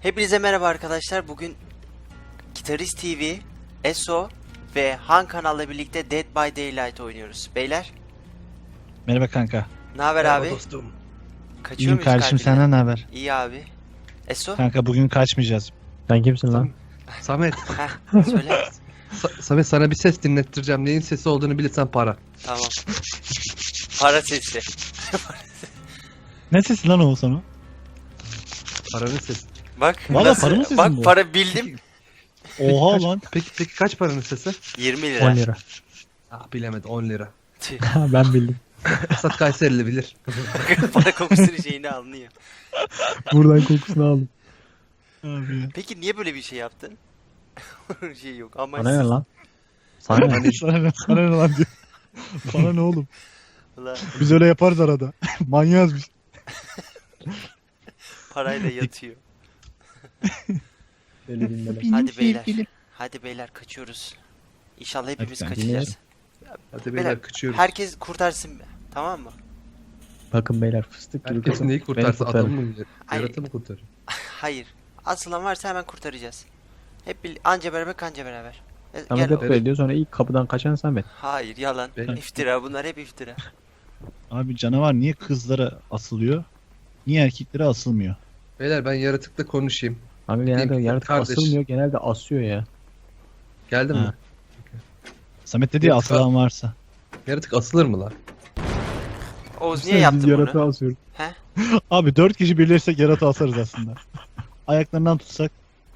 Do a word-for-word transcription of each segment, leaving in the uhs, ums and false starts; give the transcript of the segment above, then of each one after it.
Hepinize merhaba arkadaşlar. Bugün Gitarist T V, E S O ve Han kanalla birlikte Dead by Daylight oynuyoruz. Beyler, Merhaba kanka. ne haber Merhaba abi? dostum. Kaçıyor İyiyim muyuz kardeşim, kalbine? senden ne haber? İyi abi. E S O? Kanka bugün kaçmayacağız. Sen kimsin lan? Samet. Heh, söyle. Sa- Samet sana bir ses dinlettireceğim. Neyin sesi olduğunu bilirsen para. Tamam. Para sesi. Ne sesi lan o sana? Paranın sesi. Bak. Valla nasıl- para mı sesin Bak bu? para bildim. Oha Kaç- lan. Peki peki kaç paranın sesi? yirmi lira. on lira. Ah bilemedi on lira. Tüh. Ben bildim. Esat Kayserili bilir. Para kokusunu şeyini anlıyor. Buradan kokusunu aldım. Abi ya. Peki niye böyle bir şey yaptın? şey yok ama Sana ne lan? Sana ne? Sana ne, sana ne lan diyor. Bana ne oğlum? Ulan, Biz öyle yaparız arada. Manyağız biz. parayla yatıyor. Öyle dinleme. Hadi beyler. Hadi beyler kaçıyoruz. İnşallah hepimiz Hadi kaçacağız. Hadi Beyler, beyler kaçıyoruz. Herkes kurtarsın be. Tamam mı? Bakın beyler fıstık gibi Herkes kızım. neyi kurtarsa Beni kurtarın. adamı mı? Ay. Yaratı mı kurtarır? Hayır. Asılan varsa hemen kurtaracağız. Hep bir anca beraber kanca beraber. E, Samet gel- hep böyle diyor, sonra ilk kapıdan kaçan Samet. Hayır yalan. Ben- İftira bunlar hep iftira. Abi canavar niye kızlara asılıyor? Niye erkeklere asılmıyor? Beyler ben yaratıkla konuşayım. Abi genelde Diyeyim, yaratık kardeş. asılmıyor, genelde asıyor ya. Geldin Ha. mi? Samet dedi ya, Yok, asılan varsa. Yaratık asılır mı lan? Oğuz niye yaptın Yaratığı bunu? asıyoruz. He? Abi dört kişi birleşsek yaratı asarız aslında. Ayaklarından tutsak.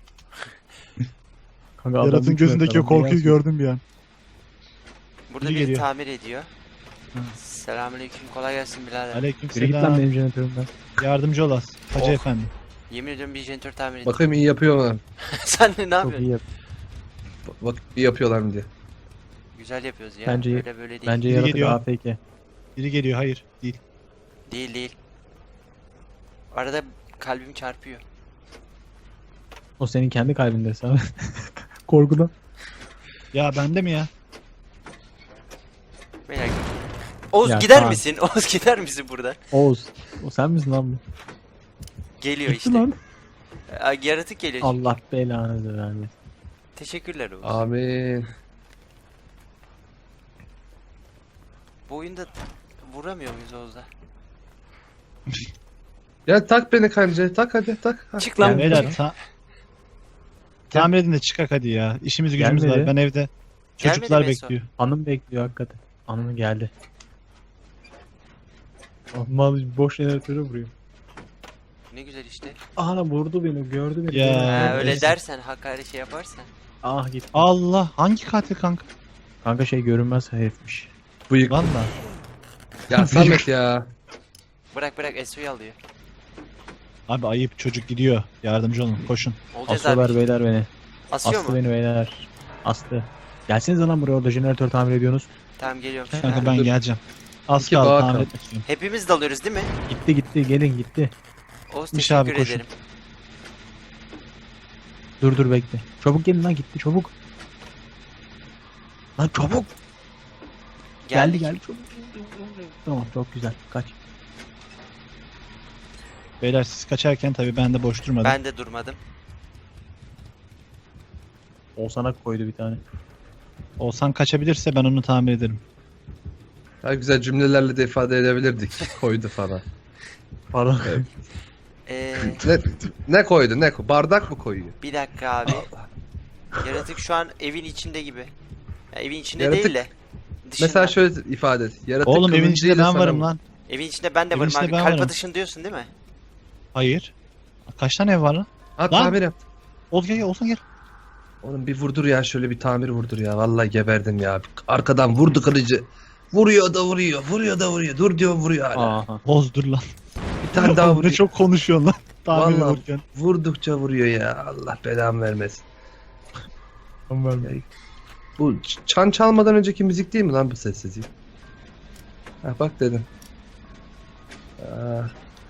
Kanka adam Yaratın üç gözündeki metre o lan, niye korkuyu asıyor? gördüm bir an. Burada Biri biri geliyor. tamir ediyor. Hı. Selamünaleyküm. Kolay gelsin birader. Aleyküm Yürü git lan selam. benim jeneratörümden. Yardımcı olas. Hacı Oh. efendi. Yemin ediyorum bir jeneratör tamir ediyor. Bakayım iyi yapıyor mu? Sen ne Çok yapıyorsun? iyi yap. Bak iyi yapıyorlar mı diye. Güzel yapıyoruz ya. Bence- böyle böyle değil. Bence Biri yaratık geliyor. A F K. Biri geliyor, hayır değil. Değil değil. Arada kalbim çarpıyor. O senin kendi kalbinde Samet. Korkudan. Ya bende mi ya? Beyler. Oğuz Ya, gider tamam. misin? Oğuz gider misin buradan? Oğuz. O sen misin lan bu? Geliyor Gitti işte. lan. Aa, Yaratık geliyor. çünkü. Allah belanı vermesin. Teşekkürler Oğuz. Amin. Bu oyunda vuramıyor muyuz Oğuz'a? Ya tak beni kancaya tak hadi tak. Ha. Çık lan. Yani- Beyler ta tamir edin de çıkak hadi ya. İşimiz gücümüz Gelmedi. var. Ben evde. Gelmedi Çocuklar mi en son? bekliyor. Hanım bekliyor hakikaten. Hanımı geldi. Mal boş jeneratöre vuruyor. Ne güzel işte. Aha vurdu beni, gördü beni. Ya. Ha, Evet. öyle dersen hakaret şey yaparsan. Ah git. Allah, hangi katil kanka? Kanka şey görünmez herifmiş. Bıyık. Valla. Ya Samet ya. Bırak bırak S O'yu alıyor. Abi ayıp, çocuk gidiyor. Yardımcı olun, koşun. Olacağız Asıyorlar abi. beyler beni. Asıyor Astı mu? beni beyler. Astı. Gelsenize lan buraya, orada jeneratör tamir ediyorsunuz. Tamam geliyorum. Kanka Ha. ben Dur. geleceğim. Az İki kaldı, bağ tamir kaldı. etmek istiyorum. Hepimiz dalıyoruz değil mi? Gitti gitti, gelin gitti. Oğuz Miş teşekkür abi, koşun. ederim. Dur dur bekle. Çabuk gelin lan, gitti çabuk. Lan çabuk. Geldi Geldik. geldi çabuk. Tamam çok güzel. Kaç. Beyler siz kaçarken tabii ben de boş durmadım. Ben de durmadım. O sana koydu bir tane. Olsan kaçabilirse ben onu tamir ederim. Daha güzel cümlelerle de ifade edebilirdik. Koydu falan. Pardon. Evet. Ee, Ne, ne koydu ne koydu? Bardak mı koyuyor? bir dakika abi. Yaratık şu an evin içinde gibi. Ya, evin içinde Yaratık- değil de. Dışında. Mesela şöyle ifade et. Yaratık Oğlum evin içinde kılıncıyla ben sana varım vur- lan. Evin içinde ben de Evin varım içinde abi. ben Kalp varım. atışın diyorsun değil mi? Hayır. Kaç tane ev var lan? Ha Lan. tamir yap. Ol gel gel, olsan gel. Oğlum bir vurdur ya şöyle bir tamir vurdur ya. Vallahi geberdim ya. Arkadan vurdu kılıcı. Vuruyor da vuruyor. Vuruyor da vuruyor. Dur diyor vuruyor hala. Aha. Oz dur lan. Bir tane daha Oğlum ne vuruyor. çok konuşuyorsun lan. Tamir Vallahi ederken. vurdukça vuruyor ya. Allah belamı vermesin. Tamam. Bu ç- çan çalmadan önceki müzik değil mi lan bu sessizlik? Ha bak dedim. Aa.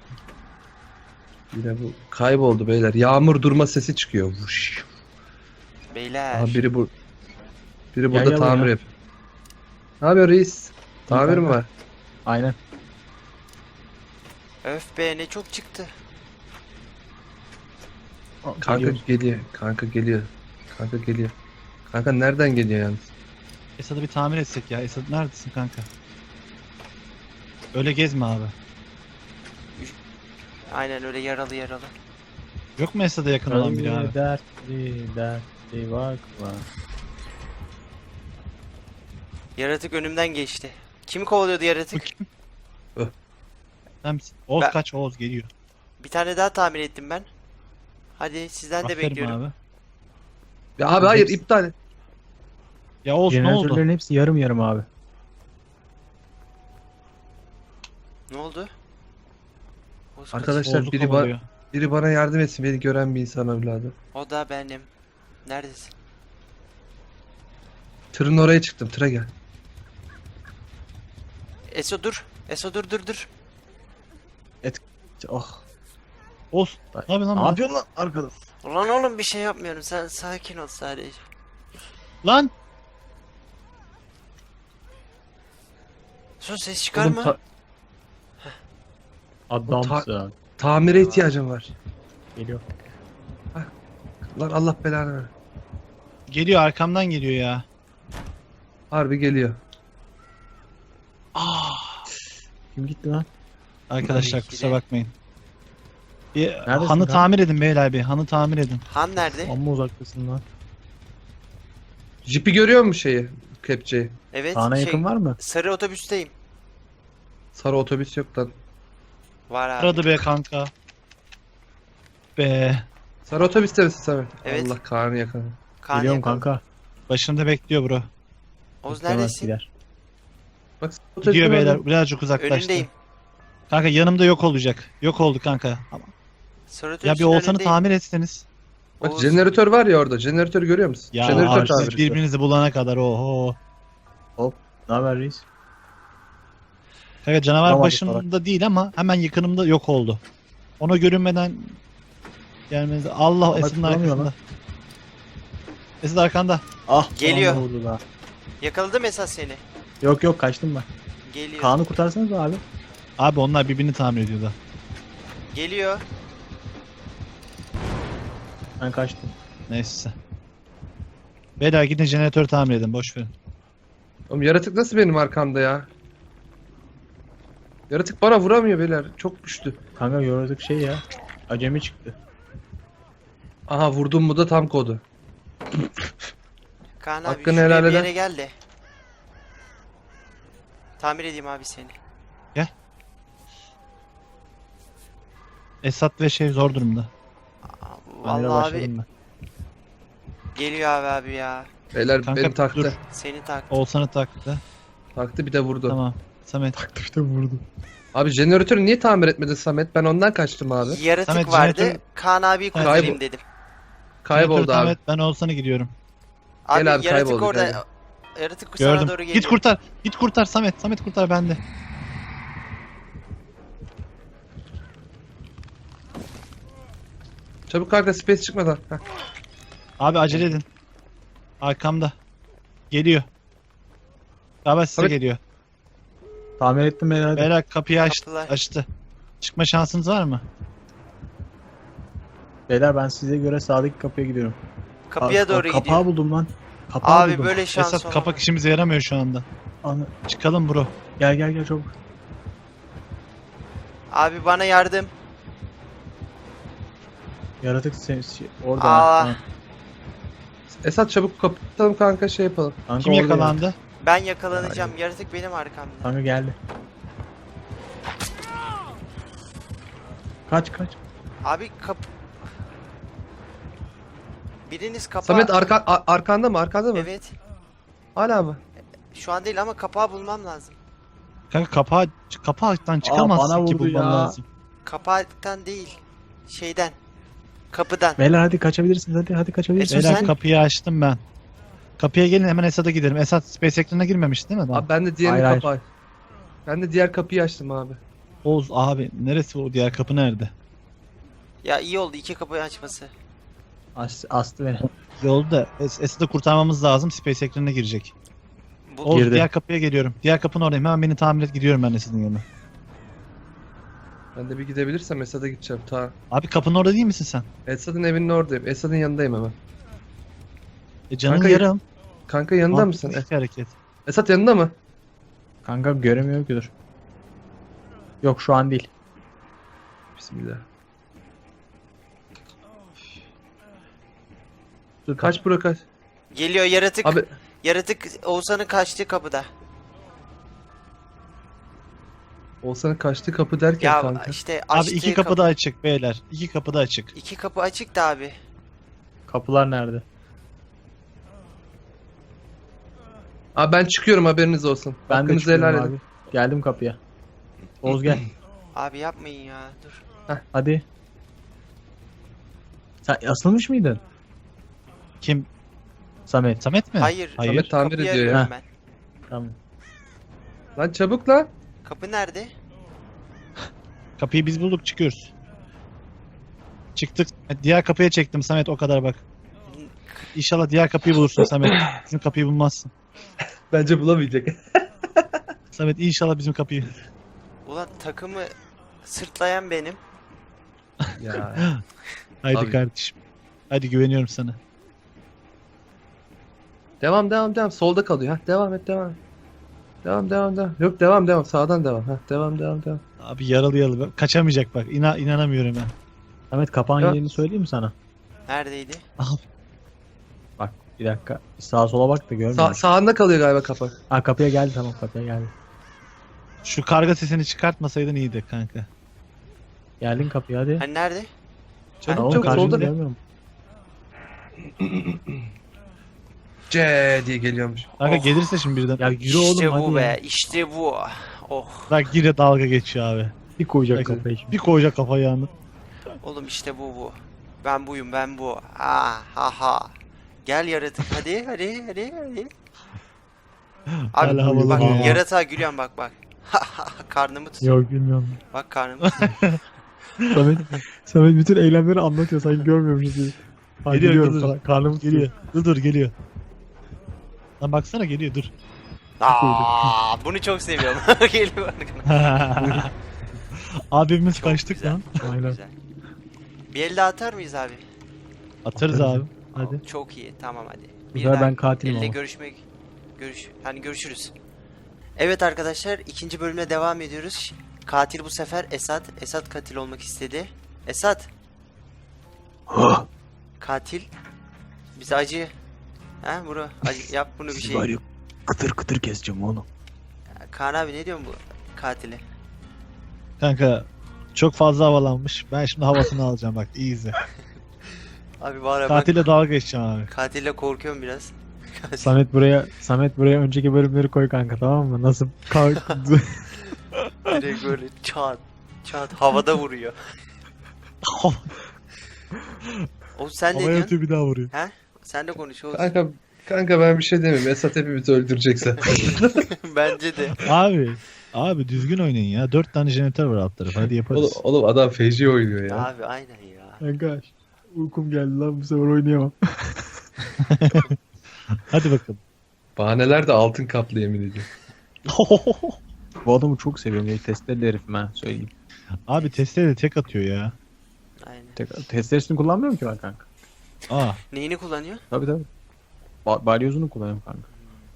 Yine bu kayboldu beyler. Yağmur durma sesi çıkıyor. Vuş. Beyler. Aha biri bu. Biri Gel, burada gel tamir buraya. yapıyor. Ne yapıyor reis? Tamir mi kanka. var? Aynen. Öf be ne çok çıktı. Kanka Geliyor. geliyor. Kanka geliyor. Kanka geliyor. Kanka nereden geliyor yalnız? Esad'ı bir tamir etsek ya. Esad neredesin kanka? Öyle gezme abi. Aynen öyle yaralı yaralı. Yok mu Esad'a yakın olan biri abi? Dertli dertli bak bak. Yaratık önümden geçti. Kimi kovalıyordu yaratık? Sen misin? Oğuz Ben- kaç, Oğuz geliyor. Bir tane daha tamir ettim ben. Hadi sizden de Aferin bekliyorum. abi. Ya abi hayır Hepsi- iptal et. Ya Oğuz ne oldu? Jeneratörlerin hepsi yarım yarım abi. Ne oldu? Oğuz kaç- Arkadaşlar Oğuz'u biri, ba- kovalıyor. biri bana yardım etsin. Beni gören bir insan evladı. O da benim. Neredesin? Tırın oraya çıktım. Tıra gel. Eso dur. Eso dur dur dur. Oh. Oğuz ne yapıyorsun lan? Ne burada? yapıyorsun lan arkada? Ulan oğlum bir şey yapmıyorum. Sen sakin ol sadece. Lan! Son ses çıkar Oğlum, mı? ta- Adamsın. tamire ihtiyacım var. Geliyor. Lan Allah belanı ver. Geliyor, arkamdan geliyor ya. Harbi geliyor. Kim gitti lan? Arkadaşlar Tabii ki kusura de. bakmayın. Bir Neredesin hanı lan? tamir edin beyler bir. Hanı tamir edin. Han nerede? Amma uzaktasın lan. Jipi görüyor musun şeyi? Kepçeyi. Evet. Sana şey, yakın var mı? Sarı otobüsteyim. Sarı otobüs yok lan. Var abi. Aradı be kanka. Be. Sarı otobüste misin Samet? Evet. Allah Kaan'ı yakaladı. Kaan Geliyorum yakaladı. kanka. Başında bekliyor bro. Oğuz Beklemez neredesin? gider. Bak sarı otobüsün Gidiyor orada. beyler, birazcık uzaklaştı. Önündeyim. Kanka yanımda yok olacak. Yok oldu kanka. Ama- Sarı Ya otobüsün bir Oğuzhan'ı önündeyim. tamir etseniz. Bak Oğuz- jeneratör var ya orada. Jeneratörü görüyor musun? Ya Jeneratör abi, tamir. siz birbirinizi bulana kadar oho. Ne haber reis? Kanka canavar Tamam, başımda değil ama hemen yakınımda yok oldu. Ona görünmeden gelmeniz. Allah Bak, Esin'in duramıyor arkasında. lan. Esin arkanda. Ah. Geliyor. bana vurdu lan. Yakaladım esas seni. Yok yok kaçtım ben. Geliyor. Kaan'ı kurtarsanız abi. Abi onlar birbirini tamir ediyordu. Geliyor. Ben kaçtım. Neyse. Beyler gidin jeneratörü tamir edin, boş verin. Oğlum yaratık nasıl benim arkamda ya? Yaratık bana vuramıyor beyler. Çok güçlü. Kanka gördük şey ya. Acemi çıktı. Aha vurdum mu da tam kodu. Kaan abi Hakkını şuraya helal bir eder. yere gel de. Tamir edeyim abi seni. Esat ve şey zor durumda. Aa, Tamire Vallahi abi başladım ben. geliyor abi abi ya. Beyler Kanka beni taktı. dur. Seni tak. Oğuzhan'ı taktı. Taktı bir de vurdu. Tamam. Samet. İşte vurdu. Abi jeneratörü niye tamir etmedin Samet? Ben ondan kaçtım abi. Yaratık Samet, vardı. jeneratör- Kaan abiyi kurtarayım Kaybol- dedim. Kayboldu Jeneratörü tamir abi. et, ben Oğuzhan'a gidiyorum. Abi, Gel abi, yaratık kayboldu, orada. gel. Yaratık sana Gördüm. doğru geliyor. Git kurtar. Git kurtar Samet. Samet kurtar bende. Çabuk kanka space çıkmadan. Heh. Abi acele edin. Arkamda. Geliyor. Galiba size Samet- geliyor. Tamir ettim herhalde. Beyler kapıyı açtı. Kapılar. açtı. Çıkma şansınız var mı? Beyler ben size göre sağdaki kapıya gidiyorum. Kapıya Aa, doğru kapağı gidiyor. buldum lan. Kapağı Abi buldum. böyle şans Esat olamaz. kapak işimize yaramıyor şu anda. Ana- Çıkalım bro. Gel gel gel çabuk. Abi bana yardım. Yaratık sen şey- orada. Aa. Ha. Esat çabuk kapatalım kanka şey yapalım. Kanka Kim orada yakalandı? Ben yakalanacağım. Yaratık benim arkamda. yaratık. Kanka geldi. Kaç kaç. Abi kap... Biriniz kapağı... Samet arka, a- arkanda mı? Arkanda mı? Evet. Hala mı? Şu an değil ama kapağı bulmam lazım. Kanka kapağı, kapaktan çıkamazsın bana ki vurdu bulman ya. lazım. Kapaktan değil. Şeyden. Kapıdan. Beyler hadi kaçabilirsiniz hadi hadi kaçabilirsiniz. Esat, Beyler sen- kapıyı açtım ben. Kapıya gelin hemen Esat'a gidelim. Esat Space ekranına girmemiş değil mi? Daha? Abi ben de diğer Hayır, hayır. kapağı. Ben de diğer kapıyı açtım abi. Oğuz abi neresi o diğer kapı nerede? Ya iyi oldu iki kapıyı açması. As, astı beni. Yolda Es Esat'ı kurtarmamız lazım. Space ekranına girecek. Bu... Oğuz Girdi. diğer kapıya geliyorum. Diğer kapının oradayım. Hemen beni tamir et gidiyorum ben Esat'ın yanına. Ben de bir gidebilirsem Esad'a gideceğim. Ta. Abi kapının orada değil misin sen? Esad'ın evinin oradayım. Esad'ın yanındayım hemen. E canın Kanka, yarım. Kanka yanında mısın? Mantıklı iki hareket. Esad yanında mı? Kanka göremiyor ki dur. Yok şu an değil. Bismillah. Dur kaç bura kaç. Geliyor yaratık. Abi Yaratık Oğuzhan'ın kaçtığı kapıda. Oğuzhan'ın kaçtığı kapı derken Ya kanka. işte Abi açtığı iki kapı da açık beyler. İki kapı da açık. İki kapı açık da abi. Kapılar nerede? Abi ben çıkıyorum haberiniz olsun. Ben de Hakkınızı çıkıyorum helal abi. edin. Geldim kapıya. Oğuz gel. Abi yapmayın ya dur. Hadi. Sen asılmış mıydın? Kim? Samet. Samet mi? Hayır. Hayır. Samet tamir Kapıyı ediyor ya. arıyorum Ha. ben. Tamam. Lan çabuk lan. Kapı nerede? Kapıyı biz bulduk, çıkıyoruz. Çıktık. Diğer kapıya çektim Samet, o kadar bak. İnşallah diğer kapıyı bulursun Samet. Bizim kapıyı bulmazsın. Bence bulamayacak. Samet inşallah bizim kapıyı. Ulan takımı sırtlayan benim. Ya. Haydi Abi. kardeşim. Hadi güveniyorum sana. Devam devam devam. Solda kalıyor. Ha devam et devam. et. Devam devam devam. Yok devam devam. Sağdan devam. Ha devam devam devam. Abi yaralı yaralı. Kaçamayacak bak. İna inanamıyorum ben. Samet kapağın Ya. yerini söyleyeyim mi sana? Neredeydi? Abi. Bak bir dakika. Sağa sola bak da Sa görmüyorum. sağında kalıyor galiba kapak. Ha kapıya geldi tamam kapıya geldi. Şu karga sesini çıkartmasaydın iyiydi kanka. Geldin kapıya hadi. Hani nerede? Çabuk Tamam, çabuk karşında solda. görmüyorum. C diye geliyormuş. Kanka Oh. gelirse şimdi birden. Ya yürü oğlum İşte hadi bu be. ya. İşte bu. Oh. Bak yine dalga geçiyor abi. Bir koyacak Bak, kafayı şimdi. bir koyacak kafayı yandı. Oğlum işte bu bu. Ben buyum ben bu. Ah ha ha. Gel yaratık hadi hadi hadi hadi. Abi Hala havalı bak ya. yaratığa gülüyorum bak bak. Karnımı tutuyor. Yok bilmiyorum. Bak karnımı tutuyor. Samet, Samet bütün eylemleri anlatıyor sanki görmüyormuşuz gibi. Ha, Geliyor, geliyorum geliyor. falan. Karnım Geliyor. Dur dur geliyor. Lan baksana geliyor dur. Aa, bunu çok seviyorum. Geliyor arkana. Abimiz Çok kaçtık güzel, lan. Çok Aynen. güzel. Bir el daha atar mıyız abi? Atarız abi. Hadi. Aa, çok iyi. Tamam hadi. Bu sefer ben katilim elle ama. görüşmek görüş hani görüşürüz. Evet arkadaşlar ikinci bölüme devam ediyoruz. Katil bu sefer Esat. Esat katil olmak istedi. Esat. Katil. Bize acı. Ha bro acı yap bunu bir şey. Kıtır kıtır keseceğim oğlum. Kaan abi ne diyorsun bu katile? Kanka çok fazla havalanmış. Ben şimdi havasını alacağım bak iyi izle. Abi var ya bak Tatile dalga geçeceğim abi. katille korkuyorum biraz. Samet buraya Samet buraya önceki bölümleri koy kanka tamam mı? Nasıl kalk Direkt böyle çat çat havada vuruyor. O sen ne Havaya diyorsun? atıyor bir daha vuruyor. He? Sen de konuş Oğuz. Kanka kanka ben bir şey demeyeyim. Esat hepimizi öldürecekse. Bence de. Abi. Abi düzgün oynayın ya. Dört tane jeneratör var alt tarafı. Hadi oğlum, yaparız. oğlum adam feci oynuyor ya. Abi aynen ya. Kanka uykum geldi lan bu sefer oynayamam. Hadi bakalım. Bahaneler de altın kaplı yemin ediyorum. Bu adamı çok seviyorum ya testleri herifim ha söyleyeyim. Abi testeyle de tek atıyor ya. Aynen. Tek, testlerisini kullanmıyorum ki ben kanka. Aa. Neyini kullanıyor? Tabii tabii. Ba balyozunu kullanıyorum kanka.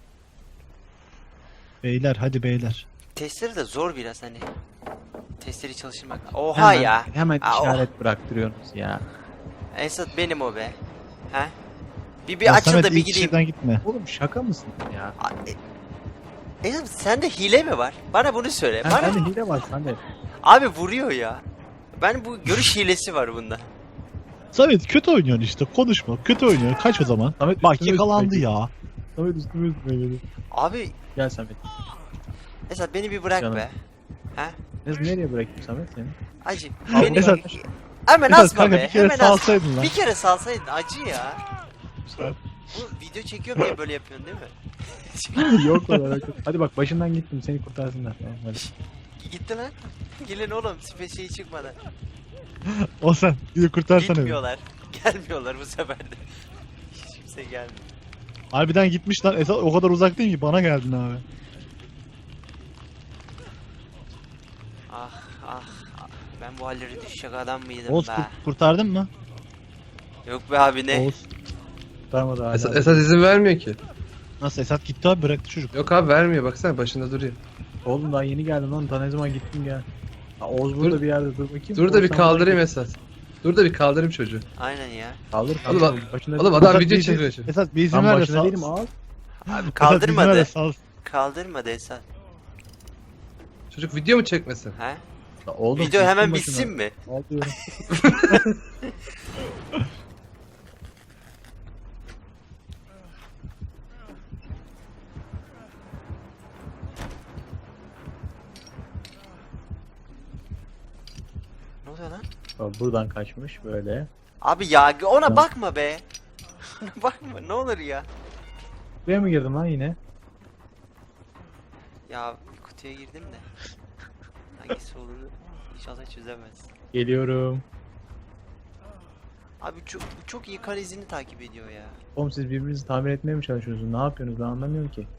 Beyler hadi beyler. Testleri de zor biraz hani. Testleri çalıştırmak. Oha Hemen- ya. Hemen Aa, oh. işaret bıraktırıyorsunuz ya. Esat benim o be. He? Bir bir Ya açıl Samet, da bir ilk gideyim. kişiden gitme. Oğlum şaka mısın ya? A- e- Esat sende hile mi var? Bana bunu söyle. Ha, Bana... ben de hile var sende. Abi vuruyor ya. Ben bu görüş hilesi var bunda. Samet kötü oynuyorsun işte. Konuşma. Kötü oynuyor. Kaç o zaman. Samet Bak üstüme yakalandı üstüme ya. Samet üstüme üstüme geliyor. Abi Gel Samet. Esat beni bir bırak Canım. be. He? Ne, nereye bırakayım Samet seni? Acı. Abi, Beni... Esat- Hemen Esat, asma kanka, be. bir kere Hemen asma. salsaydın lan. Bir kere salsaydın acı ya. Bu video çekiyorum diye böyle yapıyorsun değil mi? Yok olarak. Hadi bak başından gittim seni kurtarsınlar. Tamam, hadi. Gitti lan. Gelin oğlum sipe şey çıkmadan. O sen. Bir de kurtarsana. beni. Gitmiyorlar. Gelmiyorlar bu sefer de. Hiç kimse gelmiyor. Harbiden gitmiş lan. Esat o kadar uzak değil ki. Bana geldin abi. Ah ah ah. Ben bu hallere düşecek adam mıydım Oğuz be? kurt- kurtardın mı? Yok be abi ne? Oğuz. Kurtarmadı hala. Esat, Esat izin vermiyor ki. Nasıl Esat gitti abi bıraktı çocuk. Yok abi vermiyor baksana başında duruyor. Oğlum daha yeni geldim lan. Daha ne zaman gittin gel. Ha, Oğuz burada Dur- bir yerde dur bakayım. Dur da Oğuz bir sen kaldırayım buradan Esat. Dur da bir kaldırayım çocuğu. Aynen ya. git. Kaldır Oğlum, kaldır. Başında Oğlum adam Esat video bir izin- çekiyor şimdi. Esat bir izin ben ver de başında sal. değilim al. Abi Esat, izin ver kaldırmadı. de sal. Kaldırmadı Esat. Çocuk video mu çekmesin? He? Ya Oğlum, Video hemen gittin bitsin başına. mi? Al diyorum. Ne oluyor lan? Bak, buradan kaçmış böyle. Abi ya ona Tamam. bakma be. Ona bakma ne olur ya. Buraya mı girdin lan yine? Ya bir kutuya girdim de. Hangisi olduğunu inşallah çözemez. Geliyorum. Abi çok, bu çok iyi kar izini takip ediyor ya. Oğlum siz birbirinizi tamir etmeye mi çalışıyorsunuz? Ne yapıyorsunuz? Ben anlamıyorum ki.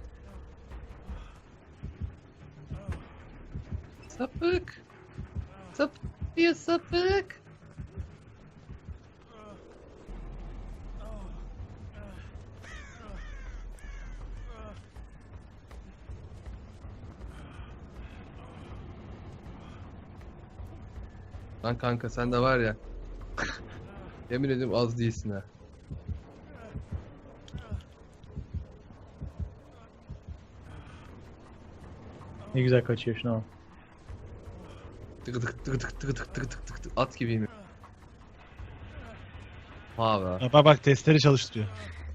Sapık. Sapık ya sapık. Lan kanka sen de var ya. Yemin ediyorum az değilsin ha. Ne güzel kaçıyor şuna bak. Tık tık tık tık tık tık tık tık tık tık at gibiyim. Ha be. Bak bak, bak testleri çalıştırıyor.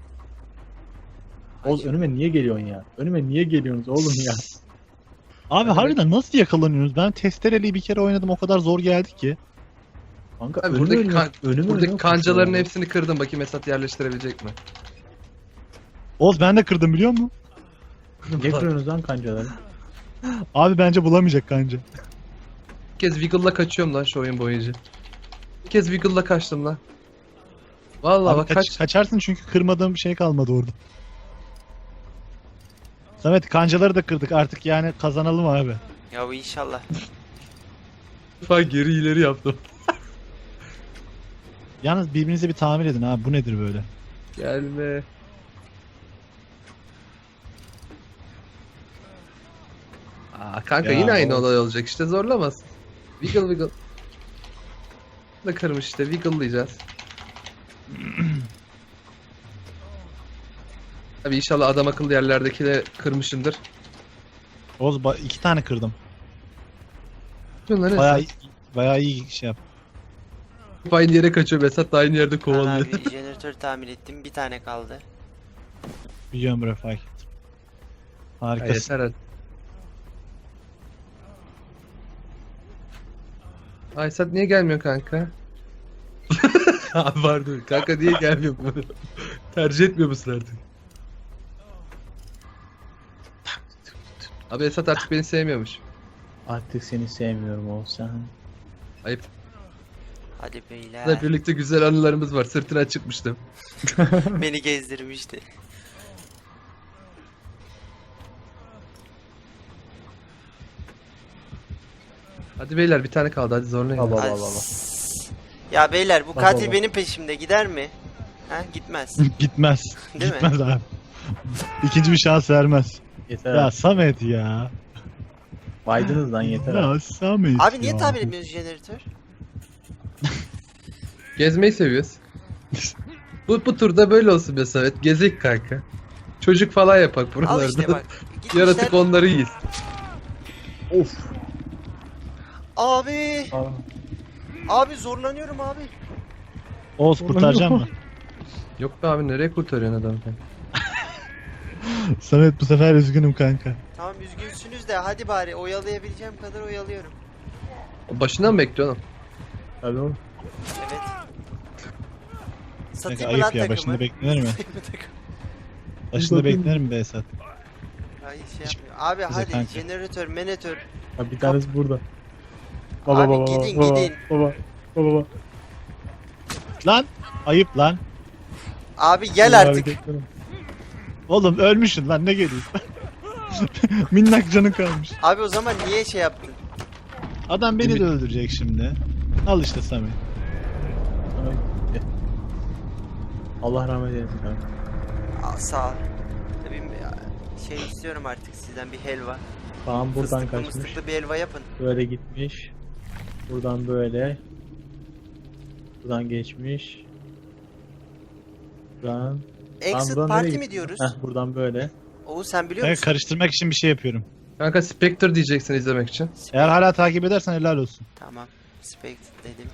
Oğuz önüme niye geliyorsun ya? Önüme niye geliyorsunuz oğlum ya? Abi Hadi harbiden nasıl yakalanıyorsunuz? Ben testereli bir kere oynadım o kadar zor geldi ki. Kanka Abi önüme buradaki, önüme- kan- önüme buradaki önüme kancaların koşuyor. hepsini kırdım. Bakayım Esat yerleştirebilecek mi? Oğuz ben de kırdım biliyor musun? Niye kırıyorsunuz lan kancaları? Abi bence bulamayacak kanca. Bir kez Wiggle'la kaçıyorum lan şu oyun boyunca. Bir kez Wiggle'la kaçtım lan. Vallahi Abi bak kaç- kaç. kaçarsın çünkü kırmadığım bir şey kalmadı orada. Samet kancaları da kırdık artık yani kazanalım abi. Ya bu inşallah. defa geri ileri yaptım. Yalnız birbirinize bir tamir edin abi bu nedir böyle? Gelme. Aa kanka Ya, yine aynı o- olay olacak işte zorlamaz. Wiggle wiggle. Da kırmış işte wiggle'layacağız. Abi inşallah adam akıllı yerlerdekileri kırmışımdır. Oğuz ba- iki tane kırdım. Bunlar Bayağı ne? iyi, bayağı iyi şey yap. Hep aynı yere kaçıyor. Esat da aynı yerde Ben kovalıyor. abi jeneratör tamir ettim. Bir tane kaldı. Biliyorum bro fark ettim. Ya Harikasın. yeter hadi. Ay Esat niye gelmiyor kanka? Abi pardon. Kanka niye gelmiyor bu? Tercih etmiyor musun artık? Abi Esat artık beni sevmiyormuş. Artık seni sevmiyorum Oğuz sen. Ayıp. Hadi beyler. Bizle birlikte güzel anılarımız var. Sırtına çıkmıştım. Beni gezdirmişti. Hadi beyler bir tane kaldı. Hadi zorlayın. Allah Hadi. Allah Allah. Ya beyler bu Bak katil baba. benim peşimde gider mi? Ha gitmez. Gitmez. Değil mi? Gitmez abi. İkinci bir şans vermez. Yeter. Ya Samet ya. Baydınız lan yeter. Ya Samet Abi niye ya. tamir etmiyoruz jeneratör? Gezmeyi seviyoruz. bu, bu turda böyle olsun be Samet. Gezek kanka. Çocuk falan yapak Al buralarda. işte bak. Gitmişler. Yaratık onları yiyiz. Of. Abi. Aa. Abi zorlanıyorum abi. Oğuz kurtaracağım mı? Yok be abi nereye kurtarıyorsun adamı? Samet bu sefer üzgünüm kanka. Tamam üzgünsünüz de hadi bari oyalayabileceğim kadar oyalıyorum. Başından mı bekliyorsun? Tabii oğlum. Evet. Kanka Satayım mı lan ayıp ya takımı? başında beklenir mi? Satayım mı takımı? Başında Bakayım. beklenir mi be Esat? Ay şey yapmıyor. Abi Bize hadi kanka. jeneratör, menetör. Ha, bir tanesi burada. Baba Abi baba gidin, baba, gidin. baba baba baba. Lan ayıp lan. Abi gel Baba, artık. hareketleri. Oğlum ölmüşsün lan ne geliyorsun? Minnak canın kalmış. Abi o zaman niye şey yaptın? Adam beni Ümit- de öldürecek şimdi. Al işte Samet. Samet. eh. Allah rahmet eylesin kanka. Aa, sağ ol. Tabii ya, şey istiyorum artık sizden bir helva. Tamam buradan Fıstıklı kaçmış. mıstıklı bir helva yapın. Böyle gitmiş. Buradan böyle. Buradan geçmiş. Buradan. Exit buradan party nereye mi gitti? diyoruz? Heh buradan böyle. Oğuz sen biliyor Ben musun? karıştırmak için bir şey yapıyorum. Kanka Spectre diyeceksin izlemek için. Eğer hala takip edersen helal olsun. Tamam. Spect dedim.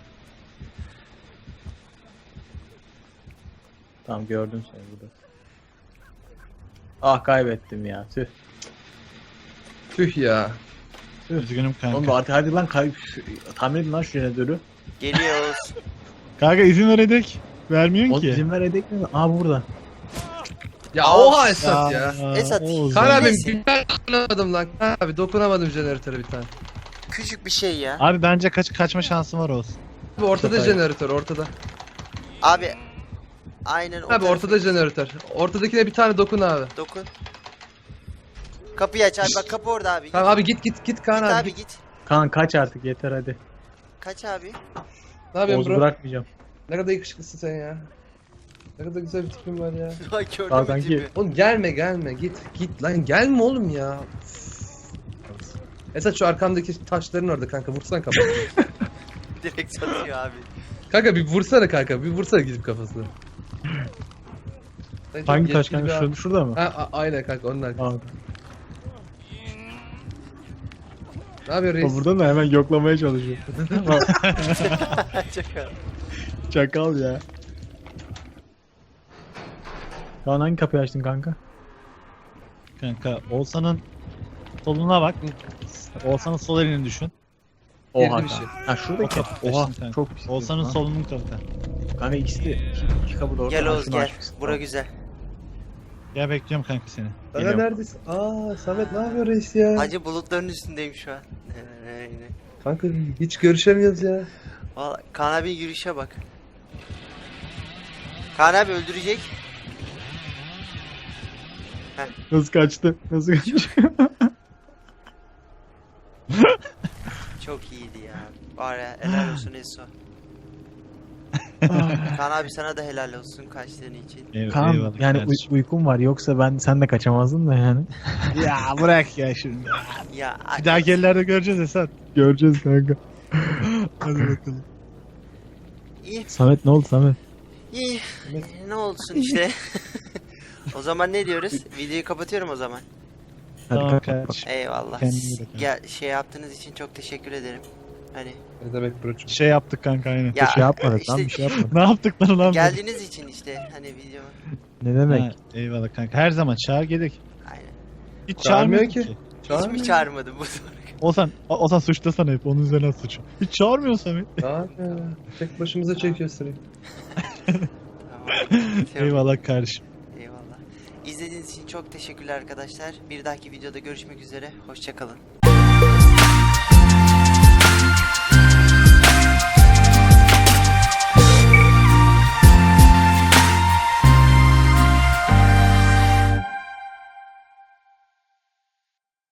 Tamam gördüm seni burada. Ah kaybettim ya. Tüh. Tüh ya. Üzgünüm Oğlum kanka. artık hadi lan kay tahmin edin lan şu jeneratörü. Geliyor Oğuz. Kanka izin veredik. Vermiyorsun O ki. izin ver edek mi? Aa burada. Ya Aa, oha Esat ya. Esat, Oğuz Kaan ya. abi Neyse. bir dokunamadım lan. Kaan abi dokunamadım jeneratöre bir tane. Küçük bir şey ya. Abi bence kaç kaçma şansın var olsun. Abi ortada Çok ayıp. jeneratör ortada. Abi. Aynen o Abi tarafa ortada git. jeneratör. Ortadakine bir tane dokun abi. Dokun. Kapıyı aç abi, bak kapı orada abi. Git, Tamam abi git git git Kaan git abi. abi Git. git. Kaan kaç artık yeter hadi. Kaç abi? Ne yapıyorsun Oğuz'u bro? bırakmayacağım. Ne kadar yakışıklısın sen ya. Ne kadar güzel bir tipin var ya. Ay gördün Al mü kanki. tipi? Oğlum gelme gelme git git lan gelme oğlum ya. Esat şu arkamdaki taşların orada kanka vursana kafasını. Direkt satıyor abi. Kanka bir vursana kanka bir vursana gidip kafasına. Sen çok Hangi taş yetkili kanka? bir Şurada, abi. şurada mı? Ha, a- aynen kanka onun arkasında. Aa, Ne yapıyor reis? o burada da hemen yoklamaya çalışıyor. Çakal. Çakal ya. Kaan hangi kapıyı açtın kanka? Kanka Oğuzhan'ın soluna bak. Oğuzhan'ın sol elini düşün. Girdi Oha bir kanka. şey. Ha şuradaki O kapı. kapı Oha açtın kanka. çok pis. Oğuzhan'ın Ha. solunun kanka. Kanka ikisi de iki, iki kapı da orada. Gel Ha, Oğuz şunu gel. açmışsın. Bura güzel. Gel bekliyorum kanka seni. Kanka Geliyorum. neredesin? Aa Samet ne yapıyor reis ya? Hacı bulutların üstündeyim şu an. Aynen. Kanka hiç görüşemiyoruz ya. Vallahi Kaan abi yürüyüşe bak. Kaan abi öldürecek. Nasıl kaçtı? Nasıl kaçtı? Çok iyiydi ya. Var ya, helal olsun Eso. Kaan abi sana da helal olsun kaçtığın için. Eyv- Kaan eyvallah yani kardeşim. uy- uykum var yoksa ben sen de kaçamazdın da yani. Ya bırak ya şimdi. Ya Bir dahaki ellerde göreceğiz Esat. Göreceğiz kanka. Hadi bakalım. iyi, Samet ne oldu Samet? iyi. Ne olsun işte. O zaman ne diyoruz? Videoyu kapatıyorum o zaman. Hadi Tamam kapat. kardeşim. Eyvallah. Kendine iyi bak. Ya şey yaptığınız için çok teşekkür ederim. Hani Ne demek broçum? Şey yaptık kanka aynen. ya Bir şey yapmadık işte lan bir şey yapmadık. Ne yaptık lan ulan? geldiğiniz için işte hani video. Ne demek? Ha, eyvallah kanka. Her zaman çağır gerek. Aynen. Hiç Çağırmıyor çağırmıyor ki. ki. Hiç mi çağırmadım bu soru? Ozan, Ozan suçlasana hep. Onun üzerine suçu. Hiç çağırmıyorsun Samet. Aa, tek başımıza çekiyor sırayı. Tamam. Eyvallah kardeşim. Eyvallah. İzlediğiniz için çok teşekkürler arkadaşlar. Bir dahaki videoda görüşmek üzere. Hoşça kalın.